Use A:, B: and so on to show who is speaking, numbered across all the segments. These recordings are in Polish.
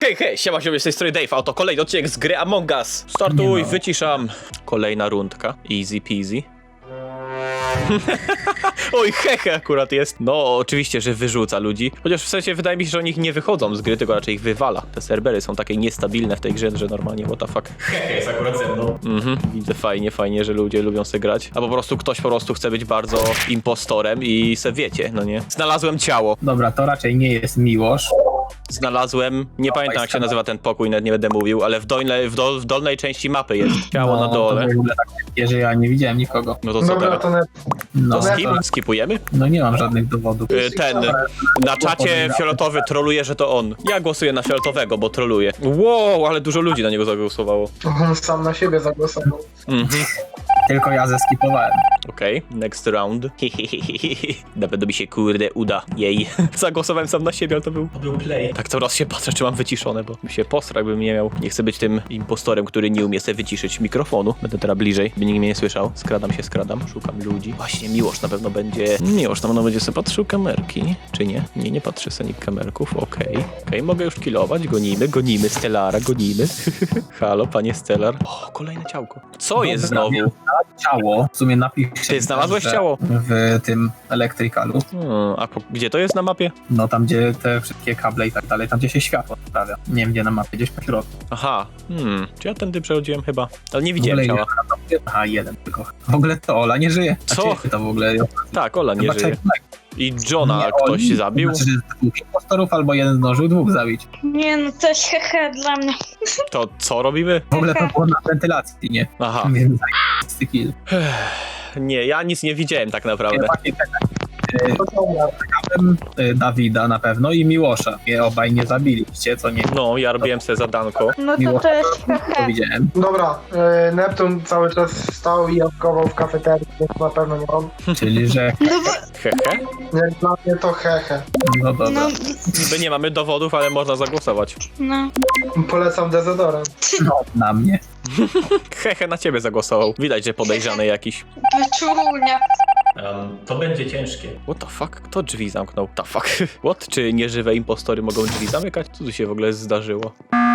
A: Hej, siema się z tej strony Dave, a oto kolejny odcinek z gry Among Us. Startuj, wyciszam. Kolejna rundka, easy peasy. Oj, hehe akurat jest. No, oczywiście, że wyrzuca ludzi. Chociaż w sensie wydaje mi się, że oni nie wychodzą z gry, tylko raczej ich wywala. Te serwery są takie niestabilne w tej grze, że normalnie what the fuck. Hehe jest akurat ze mną. Widzę fajnie, że ludzie lubią se grać. A po prostu ktoś chce być bardzo impostorem i se wiecie, no nie? Znalazłem ciało.
B: Dobra, to raczej nie jest Miłosz.
A: Znalazłem, nie pamiętam jak się nazywa ten pokój, nawet nie będę mówił, ale w dolnej części mapy jest ciało na dole.
B: To w ogóle tak nie, że ja nie widziałem nikogo.
A: No to co
C: Dobra,
A: teraz?
C: to
B: No,
A: Skipujemy?
B: no nie mam żadnych dowodów.
A: Ten, na czacie fioletowy troluje, że to on. Ja głosuję na fioletowego, bo troluje. Wow, ale dużo ludzi na niego zagłosowało.
C: on sam na siebie zagłosował.
B: Tylko ja zeskipowałem.
A: Okej, next round. Na pewno mi się kurde uda. Jej. Zagłosowałem sam na siebie, ale to był play. Tak coraz się patrzę, czy mam wyciszone, bo mi się postrach bym nie miał. Nie chcę być tym impostorem, który nie umie sobie wyciszyć mikrofonu. Będę teraz bliżej, by nikt mnie nie słyszał. Skradam, szukam ludzi. Właśnie Miłosz na pewno będzie... Miłosz na pewno będzie sobie patrzył kamerki. Czy nie? Nie patrzy sobie nikt kamerków. Okej, mogę już killować. Gonimy Stellara, gonimy. Halo, panie Stellar. O, kolejne ciałko. Co jest znowu?
B: Ciało, w sumie napiszę.
A: Ty znalazłeś ciało?
B: W tym elektrykalu.
A: A gdzie to jest na mapie?
B: No tam, gdzie te wszystkie kable i tak dalej, tam gdzie się światło sprawia. Nie wiem, gdzie na mapie, gdzieś po środku.
A: Aha, czy ja tędy przechodziłem chyba? Ale nie widziałem
B: W ogóle
A: ciała.
B: Aha, jeden tylko. W ogóle to Ola nie żyje.
A: Co?
B: Znaczy, to w ogóle...
A: Tak, Ola nie
B: Chyba
A: żyje.
B: Czerwonek.
A: I Johna
B: Nie,
A: ktoś
B: Oli.
A: zabił?
B: Znaczy, że dwóch impostorów albo jeden zdążył dwóch zabić.
D: Nie no, to jest hehe dla mnie.
A: To co robimy?
B: W ogóle to było na wentylacji, nie?
A: Aha,
B: Więc kill.
A: nie, ja nic nie widziałem tak naprawdę.
B: Właśnie Dawida na pewno i Miłosza. Je obaj nie zabiliście, co nie
A: No, ja robiłem sobie zadanko.
D: No
B: Miło.
D: to jest hehe.
B: widziałem.
C: Dobra, Neptun cały czas stał i jawkował w kafeterii, więc na pewno nie mam.
B: Czyli, że
D: No bo,
A: Hehe.
C: Nie, dla mnie to hehe.
B: no dobra.
D: no,
A: Niby nie mamy dowodów, ale można zagłosować.
D: no.
C: Polecam dezodorant.
B: No, na mnie.
A: Hehe na ciebie zagłosował. Widać, że podejrzany jakiś.
D: Wyczurunia.
A: To będzie ciężkie. What the fuck? Kto drzwi zamknął? The fuck? What? Czy nieżywe impostory mogą drzwi zamykać? Co tu się w ogóle zdarzyło?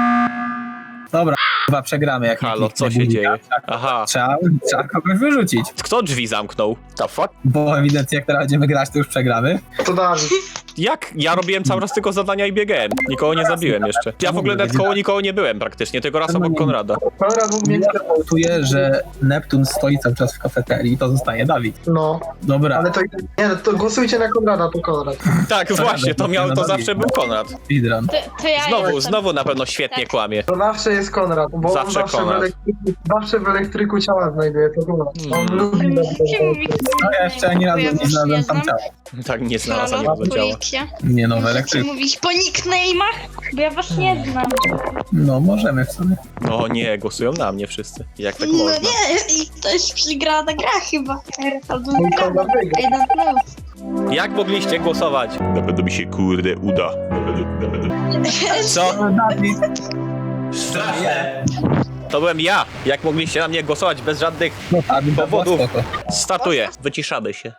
B: Dobra, chyba przegramy. Jak
A: Halo,
B: nikt
A: co
B: nie
A: się
B: mówi,
A: dzieje?
B: tak,
A: Aha.
B: Trzeba kogoś wyrzucić.
A: Kto drzwi zamknął? The fuck?
B: Bo ewidentnie jak teraz będziemy grać, to już przegramy.
C: To Dawid.
A: Jak? Ja robiłem cały czas tylko zadania i biegałem. Nikogo nie zabiłem jeszcze. Ja w ogóle nawet koło nikogo nie byłem praktycznie, tylko raz obok Konrada.
C: Konrad mógł mieć...
B: Wołtuję, że Neptun stoi cały czas w kafeterii, to zostaje Dawid.
C: No,
B: Dobra,
C: ale to... Nie, to głosujcie na Konrada, to Konrad.
A: Tak, właśnie, to zawsze był Konrad.
B: speedrun.
D: To ja jestem.
A: Znowu na pewno świetnie kłamie.
C: To zawsze jest Konrad, bo on
A: Zawsze Konrad.
C: zawsze w elektryku ciała znajduje, to Konrad. On lubi
D: Musicie mówić,
B: No ja jeszcze ani razu nie znalazłem tam ciała.
A: Tak, nie znalazł ani
D: Halo,
A: razu ciała.
D: policja.
B: Nie no, w
D: Musicie
B: elektryku.
D: mówić po nickname'ach, bo ja was nie znam.
B: No, możemy w sumie.
A: No nie, głosują na mnie wszyscy. Jak tak
D: No
A: można?
D: nie, i to jest przegrana gra chyba. Albo
C: I Konrad wygra.
D: I don't know.
A: Jak mogliście głosować? Na pewno mi się kurde uda. Co?
B: Dawid,
A: Straszne. To byłem ja. Jak mogliście na mnie głosować bez żadnych
B: no Dawid, to było
A: powodów?
B: spoko.
A: Startuję. Wyciszamy się.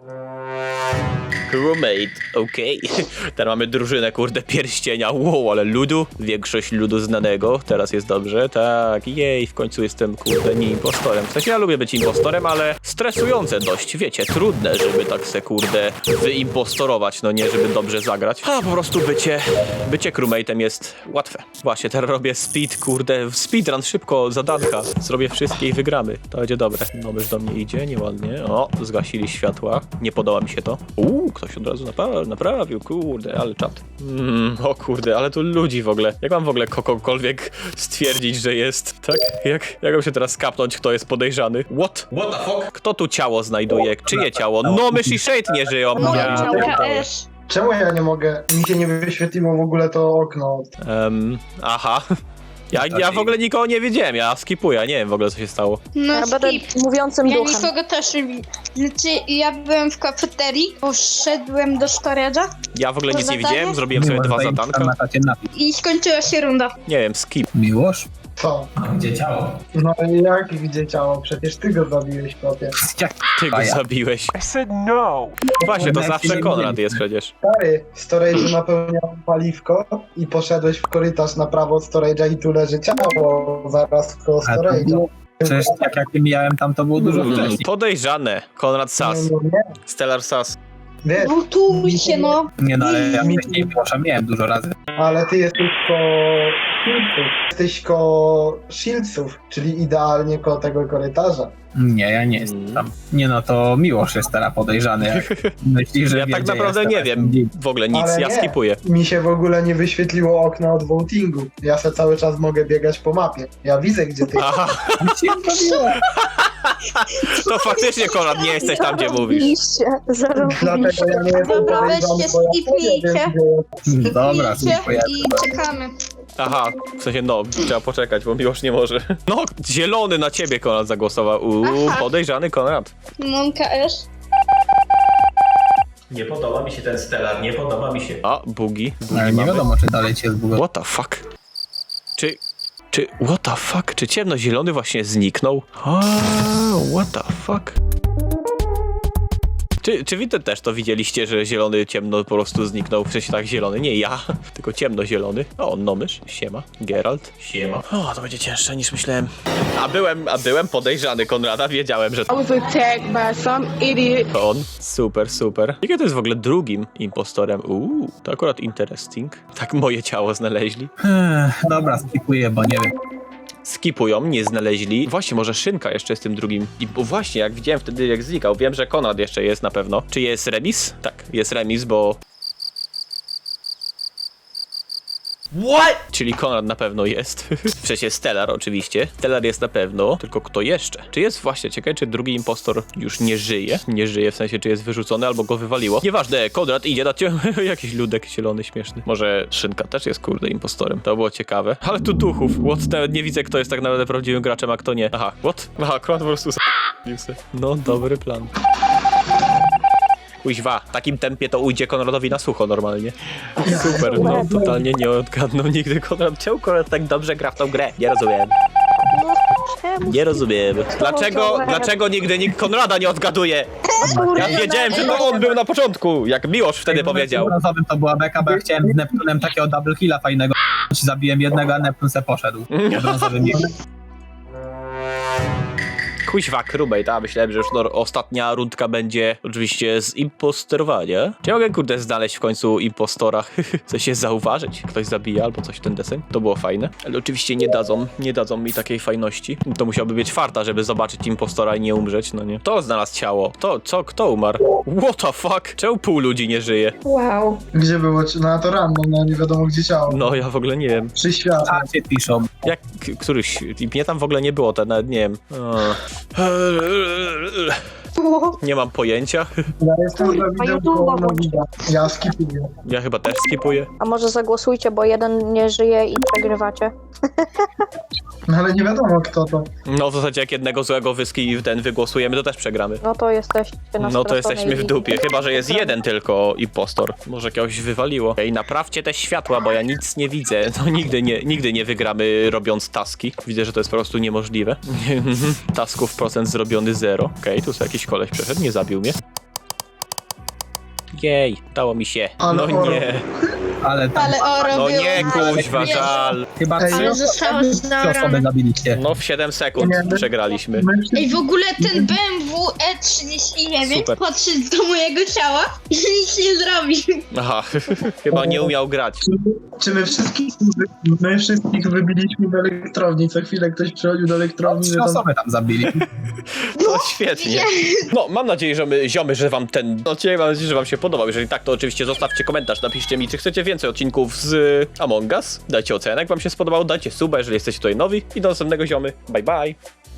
A: Crewmate, okej. Teraz mamy drużynę, kurde, pierścienia. Wow, ale ludu. Większość ludu znanego. Teraz jest dobrze. Tak, jej, w końcu jestem, kurde, nie impostorem. W sensie ja lubię być impostorem, ale stresujące dość. Wiecie, trudne, żeby tak se, kurde, wyimpostorować. No nie, żeby dobrze zagrać. A po prostu bycie crewmate'em jest łatwe. Właśnie, teraz robię speed, kurde, speedrun, szybko, zadanka. Zrobię wszystkie i wygramy. To będzie dobre. No, już do mnie idzie, nieładnie. O, zgasili światła. Nie podoba mi się to. Ktoś od razu naprawił, kurde, ale czad. O kurde, ale tu ludzi w ogóle. Jak mam w ogóle kogokolwiek stwierdzić, że jest, tak? Jak mam się teraz skapnąć, kto jest podejrzany? What the fuck? Kto tu ciało znajduje? Czyje ciało? No, mysz i Shade nie żyją.
D: No,
A: Ja
D: KS.
C: Czemu ja nie mogę? Mi się nie wyświetliło w ogóle to okno.
A: Aha. Ja w ogóle nikogo nie wiedziałem, ja skipuję, ja nie wiem w ogóle co się stało.
D: No
E: Ja będę
D: skip.
E: mówiącym
D: Ja
E: duchem.
D: nikogo też nie widzę. Znaczy, ja byłem w kafeterii, poszedłem do storage'a
A: Ja w ogóle nic nie
D: Zadanie?
A: widziałem, zrobiłem sobie
B: Miłosz,
A: dwa
B: tutaj
A: zadanka.
B: na czacie napis.
D: i skończyła się runda.
A: Nie wiem, skip.
B: Miłosz?
C: Co?
B: Gdzie ciało?
C: No i jak gdzie ciało? Przecież ty go zabiłeś, chłopie.
A: Ty go zabiłeś. Właśnie, to zawsze Konrad jest przecież.
C: Stary, w storage'u napełniałem paliwko i poszedłeś w korytarz na prawo od storage'a i tu leży ciało zaraz koło
B: A to
C: storage'a.
B: było- Przecież jak ja mijałem tam, to było dużo wcześniej.
A: Podejrzane. Konrad Sas.
C: Nie,
A: Stellar Sas.
C: wiesz,
D: Butuj się, no.
B: Nie no, ale ja wcześniej Miłosza miałem dużo razy.
C: ale ty jesteś Shieldsów. Jesteś koło Shieldsów, czyli idealnie koło tego korytarza.
B: Nie, ja nie jestem tam. Nie no, to Miłosz jest teraz podejrzany. Jak myślisz, że
A: Ja
B: wie,
A: tak
B: gdzie
A: naprawdę
B: jestem,
A: nie wiem w ogóle nic,
C: Ale
A: ja
C: nie.
A: skipuję.
C: Mi się w ogóle nie wyświetliło okno od votingu. Ja se cały czas mogę biegać po mapie. Ja widzę, gdzie ty
A: Aha, to faktycznie Konrad nie jesteś tam, gdzie mówisz.
C: Dlatego ja nie jestem
D: Dobra,
C: podejrzany,
D: weźcie,
C: bo ja
D: skipnijcie.
C: powiem, gdzie jest.
B: Dobra,
D: Idźcie
B: ja
D: i czekamy.
A: Aha, w sensie no, trzeba poczekać, bo Miłosz nie może. No, zielony na ciebie Konrad zagłosował.
D: Aha.
A: Podejrzany Konrad.
D: Monka też.
A: Nie podoba mi się ten Stellar, nie podoba mi się. A, bugi.
B: Ale nie wiadomo, czy dalej cię zbugował.
A: What the fuck? What the fuck? Czy ciemnozielony właśnie zniknął? What the fuck? Czy wy też to widzieliście, że zielony ciemno po prostu zniknął? W sensie tak zielony, nie ja, tylko ciemnozielony. O, Nomysz, siema. Geralt, siema. O, to będzie cięższe niż myślałem. A byłem podejrzany Konrada, wiedziałem, że
E: I was attacked by some idiot.
A: to on. Super, super. Jakie to jest w ogóle drugim impostorem? To akurat interesting. Tak moje ciało znaleźli.
B: Dobra, skipuję, bo nie wiem.
A: Skipują, nie znaleźli. Właśnie, może Szynka jeszcze jest tym drugim. I bo właśnie, jak widziałem wtedy, jak znikał, wiem, że Konrad jeszcze jest na pewno. Czy jest remis? Tak, jest remis, bo... What? Czyli Konrad na pewno jest. Przecież Stellar oczywiście. Stellar jest na pewno. Tylko kto jeszcze? Czy jest właśnie, ciekawe, czy drugi impostor już nie żyje? Nie żyje, w sensie, czy jest wyrzucony albo go wywaliło. Nieważne, Konrad idzie na cię. Jakiś ludek zielony, śmieszny. Może Szynka też jest, kurde, impostorem. To było ciekawe. Ale tu duchów. What? Nawet nie widzę, kto jest tak naprawdę prawdziwym graczem, a kto nie. Aha, what? Aha, Konrad po prostu No, dobry plan. Kuźwa, w takim tempie to ujdzie Konradowi na sucho normalnie. Super, no totalnie nie odgadnął nigdy Konrad. Czemu Konrad tak dobrze gra w tą grę? Nie rozumiem. Nie rozumiem. Dlaczego nigdy nikt Konrada nie odgaduje? Ja wiedziałem, że to on był na początku, jak Miłosz wtedy powiedział.
B: Brązowym to była beka, bo ja chciałem z Neptunem takiego double killa fajnego. Zabiłem jednego, a Neptun se poszedł. Brązowym nie.
A: Kuźwa, krubej, ta myślałem, że już ostatnia rundka będzie oczywiście z imposterowania. Czy ja mogę, kurde, znaleźć w końcu impostora? Coś się zauważyć? Ktoś zabija albo coś w ten deseń? To było fajne. Ale oczywiście nie dadzą mi takiej fajności. To musiałby być farta, żeby zobaczyć impostora i nie umrzeć, no nie? Kto znalazł ciało? Kto umarł? What the fuck? Czemu pół ludzi nie żyje?
D: Wow.
C: Gdzie było? No to random, no nie wiadomo gdzie ciało.
A: No, ja w ogóle nie wiem.
C: Przy światło.
B: A cię piszą.
A: Jak któryś... Mnie tam w ogóle nie było, to nawet nie wiem. Nie mam pojęcia.
C: Ja jestem za wideo,
E: YouTube'a
C: no widać. Ja skipuję.
A: Ja chyba też skipuję.
E: A może zagłosujcie, bo jeden nie żyje i przegrywacie.
C: No ale nie wiadomo kto to.
A: No w zasadzie jak jednego złego wygłosujemy, to też przegramy.
E: No to jesteście na
A: No to
E: straconej
A: jesteśmy w
E: linii.
A: dupie, chyba że jest jeden tylko impostor. Może jakiegoś wywaliło. Ej, naprawcie te światła, bo ja nic nie widzę. No nigdy nie wygramy robiąc taski. Widzę, że to jest po prostu niemożliwe. Tasków procent zrobiony 0. Okej, tu sobie jakiś koleś przeszedł, nie zabił mnie. Jej, dało mi się.
C: Ale
A: No
C: oro.
A: nie.
B: Ale tam
D: Ale oro
A: No
D: było.
A: nie, kuźwa, żal.
B: chyba
C: Ej,
B: trzy
C: ale
D: zostało
B: osoby zabiliście.
A: No w 7 sekund
C: Nie,
A: przegraliśmy.
D: Ej, w ogóle ten BMW E39
A: Super.
D: patrzy do mojego ciała i nic nie zrobił.
A: Aha, chyba nie umiał grać.
C: Czy my wszystkich wybiliśmy do elektrowni? Co chwilę ktoś przychodził do elektrowni.
B: Trzy
C: że tam-
B: osoby tam zabili.
A: No świetnie. No, mam nadzieję, że wam ten odcinek, mam nadzieję, że wam się podobał. Jeżeli tak, to oczywiście zostawcie komentarz, napiszcie mi, czy chcecie więcej odcinków z Among Us. Dajcie ocenę, jak wam się spodobało, dajcie suba, jeżeli jesteście tutaj nowi. I do następnego, ziomy. Bye, bye.